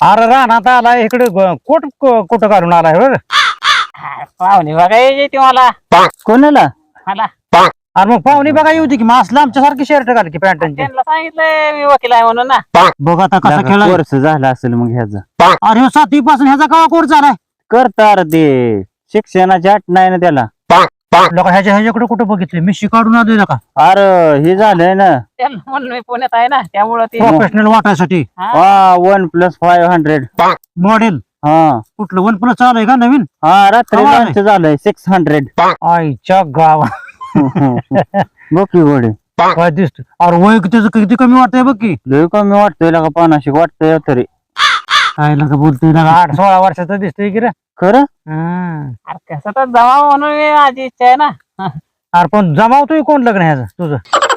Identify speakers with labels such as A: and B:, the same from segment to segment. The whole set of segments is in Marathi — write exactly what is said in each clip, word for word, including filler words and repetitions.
A: अरे रानात आला इकडे कोट कुठं काढून आलाय बरं.
B: पाहुणे बघा येते मला
C: कोणाला?
B: मला
A: अरे मग पाहुणे बघा येऊ दे की मग असलं आमच्यासारखी शर्ट घाल की पॅन्टांची.
B: त्यांना सांगितलंय मी वकील आहे म्हणून ना.
A: बघ आता कसा खेळा.
C: कोर्स झाला असेल मग ह्याचा.
A: अरे सातवी पासून ह्याचा कवा कोर्स झालाय.
C: करता ते शिक्षणाची अट नाही ना त्याला.
A: लोक ह्याच्या ह्याच्याकडे कुठं बघितले मी शिकाडून आलोय का.
C: अरे हे झालंय ना
B: त्यांना म्हणून मी पुण्यात आहे ना त्यामुळं ते
A: प्रोफेशनल वाटायसाठी
C: हा one plus five hundred
A: model
C: हा
A: कुठलं वन प्लस चालू का नवीन.
C: हा रात्री
A: कमाल आहे.
C: लॉन्च झालंय सिक्स हंड्रेड.
A: आईच्या गावा
C: बघ की गोडे
A: काय दिसत. अरे वय त्याचं किती कमी वाटतंय बघ की.
C: लय कमी वाटतोय का पानाशी वाटतंय तरी.
A: काय नका बोलतोय ना आठ सोळा वर्षाचं दिसतोय की रे.
C: खरं
A: हं.
B: अरे कसं तर जमा म्हणून मी माझी इच्छा आहे ना.
A: अरे पण जमावतोय कोण लग्न ह्याचं तुझं.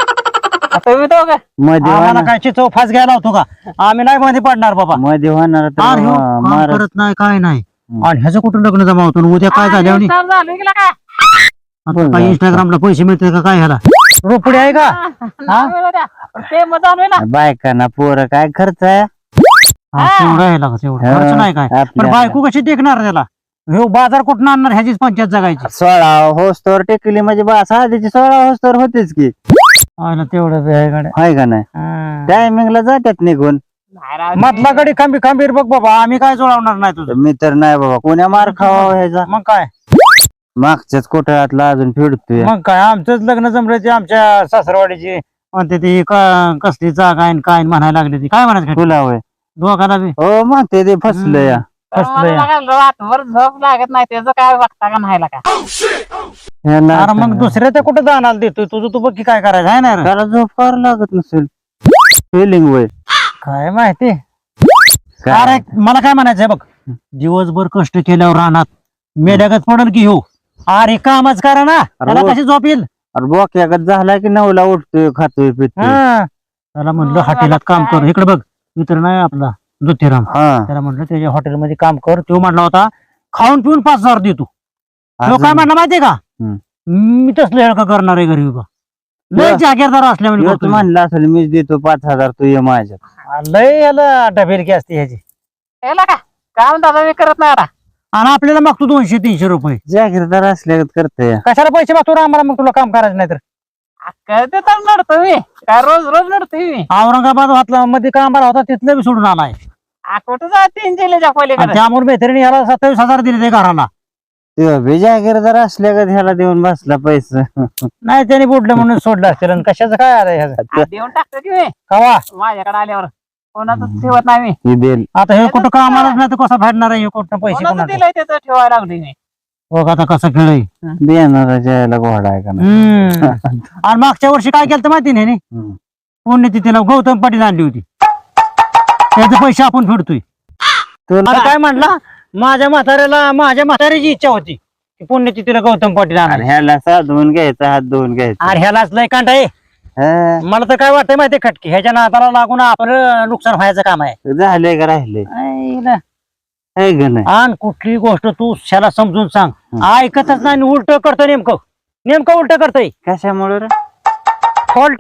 B: आता मी दोघं
C: मध्ये
A: आम्हाला
C: होणार-
A: काय चिचव फास घ्यायला होतो का. आम्ही नाही मध्ये पडणार बाबा.
C: मध्ये होणार तर
A: अरे हो,
C: हा,
A: काम
C: महाराज-
A: करत नाही काय नाही. आणि ह्याचं कुठं लग्न जमावतो आणि उद्या काय झालं आणि
B: चालू झालं गेला का
A: आता काय इंस्टाग्रामला पैसे मिळते का काय ह्याला. रोपडी आहे का.
B: नाही मिळू द्या. ते मग चालू आहे ना.
C: बायकांना पोरं काय खर्च आहे.
A: हा, तेवढं आहे लागा, तेवढं खर्च नाही काय. पण
C: आपल्या-
A: बायको कशी टेकणार त्याला. ह्यो बाजार कुठं आणणार ह्याचीच पंचायत जगायची.
C: सोळा होस्तोवर टेकली म्हणजे बस आधीची सोळा होस्तोवर होतेच की.
A: आहे ना तेवढं आहे गड्या.
C: हाय का नाही
A: हं.
C: टायमिंगला जातात निघून.
B: नाही राव.
A: मधला गडी खांबी खांबीर बघ बाबा आम्ही काय जोडावणार नाही तुझं.
C: मी तर नाही बाबा कोण्या मार खावा ह्याचा.
A: मग काय
C: मागच्याच कोठ्यातला अजून फिरतोय.
A: मग काय आमचंच लग्न जमलं ते आमच्या सासरवाडीची म्हणते ती क- कसली जागा आहे न काय न म्हणायला लागली ती काय म्हणायचं
C: तुला होय
A: दोघाला बी
C: हो म्हणते ते फसलं या.
B: तर
A: कसलं या?
B: मला बघा, रातभर झोप लागत नाही त्याचं काय बघता का नाही का.
C: ह्याला
A: अरे मग दुसऱ्या ते कुठं जाणार देतोय तुझं तू बघ की काय करायचं आहे ना रे?
C: त्याला झोप करावं लागत नसेल. फिलिंग वय
A: काय माहिती.
C: काय?
A: अरे मला काय म्हणायचंय बघ दिवसभर कष्ट केल्यावर रानात मेल्यागत पडल की हो. अरे कामच करा ना त्याला
C: रोज-
A: कशी झोप येईल.
C: अरे बोक्यागत झाला की नऊला उठतोय खातोय पितोय.
A: हं. त्याला म्हणलं हॉटेलात काम कर. इकडे बघ मित्र नाही आपला ज्योतिराम
C: हा
A: त्याला म्हणलं त्याच्या हॉटेलमध्ये काम कर. तो म्हणला होता खाऊन पिऊन पाच हजार देतो. तो
C: अजून-
A: काय म्हणला माहितीये का
C: हम्म.
A: मी तसलं हेळका करणार आहे घरी बा. लय
C: या.
A: जागीरदार असल्यामुळे
C: ह्योच
A: करतोय.
C: म्हणलं असेल मीच देतो पाच हजार तू ये माझ्यात.
A: लय याला डबेलकी असते ह्याची.
B: याला का काम दादा मी करत नाही आता.
A: आणि आपल्याला मागतो दोनशे तीनशे रुपये.
C: जागीरदार असल्यागत करतोय.
A: कशाला पैसे मागतो रे आम्हाला मग तुला काम करायचं नाही तर.
B: काय ते तर लढतो मी काय रोज रोज लढतोय मी.
A: औरंगाबाद हातला मध्ये कामाला होता तिथलं बी सोडून आलाय.
B: आ, कुठं जा तीन जिल्ह्याच्या
A: आणि
B: पलीकडे.
A: त्यामुळे मैत्रिणी याला सत्तावीस हजार दिले ते घराला.
C: ते बी जागीरदार असल्यागत ह्याला देऊन बसला पैसे.
A: नाही त्यांनी बुडलं म्हणून सोडलं असतील. आणि कशाचं काय आलंय ह्याचं
B: आ, देऊन टाकतो की मी
A: कवा.
B: माझ्याकडे आल्यावर कोणाचं ठेवत नाही मी.
C: ही देईल.
A: आता हे कुठं कामालाच नाही तर कसा फेडणार आहे हे कुठं पैसे
B: कोणाचं
A: कोणाचं.
B: दिलंय त्याचं ठेवायला लागली मी.
A: बघ आता कसं खेळ.
C: देणाराच्या याला घोडा आहे का नाही.
A: हम्म. आणि मागच्या वर्षी काय केलं माहिती नाही नी?
C: हम्म.
A: पुण्यतिथीला गौतम पाटील आणली होती. त्याचे पैसे आपण फेडतोय.
C: तुला
A: आता काय म्हणला माझ्या म्हाताऱ्याला माझ्या म्हाताऱ्याची इच्छा होती की पुण्यतिथीला गौतम पाटील
C: अरे
A: आणा.
C: ह्याला साधवून घ्यायचा हात धुवून घ्यायचा.
A: अरे ह्यालाच लय कांटा आहे.
C: हा,
A: मला तर काय वाटतंय माहितीये खटकी ह्याच्या नाताला लागून आपलं नुकसान व्हायचं काम आहे.
C: झाले का राहिले
A: आईला.
C: आहे का नाही.
A: आणि कुठली गोष्ट तू त्याला समजून सांग ऐकतच नाही उलट करतोय नेमकं नेमकं उलट करतोय.
C: कशामुळे रे?
A: फॉल्ट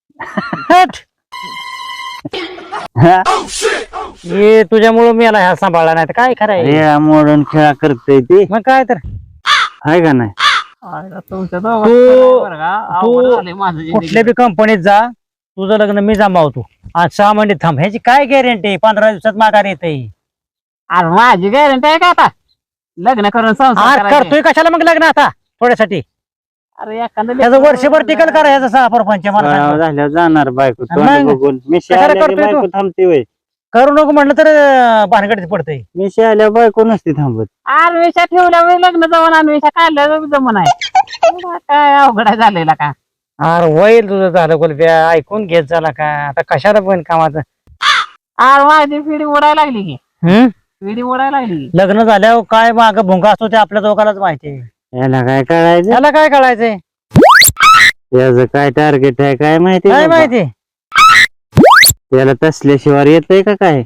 C: हा?
A: हे तुझ्यामुळे मी याला ह्या सांभाळला नाही तर काय खरंय.
C: रेळा मोडून खेळा करतोय ती
A: मग काय तर
C: आहे का नाही.
B: आयला तुमच्या
A: तू-
B: दोघांचं बरं का, अवघड
A: तू
B: झालंय माझं जिंदगी.
A: कुठल्या बी कंपनीत जा तुझं लग्न मी जमावतो. आज सहा महिने थांब ह्याची काय गॅरंटी पंधरा दिवसात माघार येते.
B: अरे माझी गॅरंटी आहे का आता लग्न करून संसार करायचे.
A: करतोय कशाला मग लग्न आता थोड्यासाठी.
B: अरे एखादं
A: त्याचं
B: लेकरं
A: वर्षभर टिकल करा ह्याचा सहा परपंच मला
C: सोळावं
A: सांग.
C: झाल्यावर जाणार बायको
A: मग?
C: तोंड बघून. मिशी
A: कशाला
C: आल्या की
A: करतोय
C: बायको
A: तू?
C: थांबते वय.
A: करू नको म्हणलं तर भानगडीत पडतंय.
C: मिशी आल्या बायको नसते थांबत.
B: आरवेशा ठेवल्या वेळी लग्न जमन आरवेशा काढल्या जमन आहे. काय अवघड आहे झालेला का.
A: अरे वैल तुझं झालं गोलप्या ऐकून घेत झाला का आता कशाला पण कामाचं.
B: आर माझी पिढी उडायला लागली की
A: हम्म
B: पिढी उडायला लागली की.
A: लग्न झाल्यावर काय माग भुंगा असतो ते आपल्या दोघांनाच माहिती आहे.
C: याला काय कळायचं.
A: त्याला काय कळायचंय
C: याचं काय टार्गेट आहे काय माहिती
A: काय
C: बाबा.
A: माहिती.
C: त्याला तसल्याशिवाय येतंय का काय.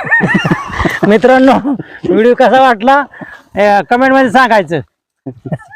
A: मित्रांनो व्हिडिओ कसा वाटला कमेंट मध्ये सांगायचं.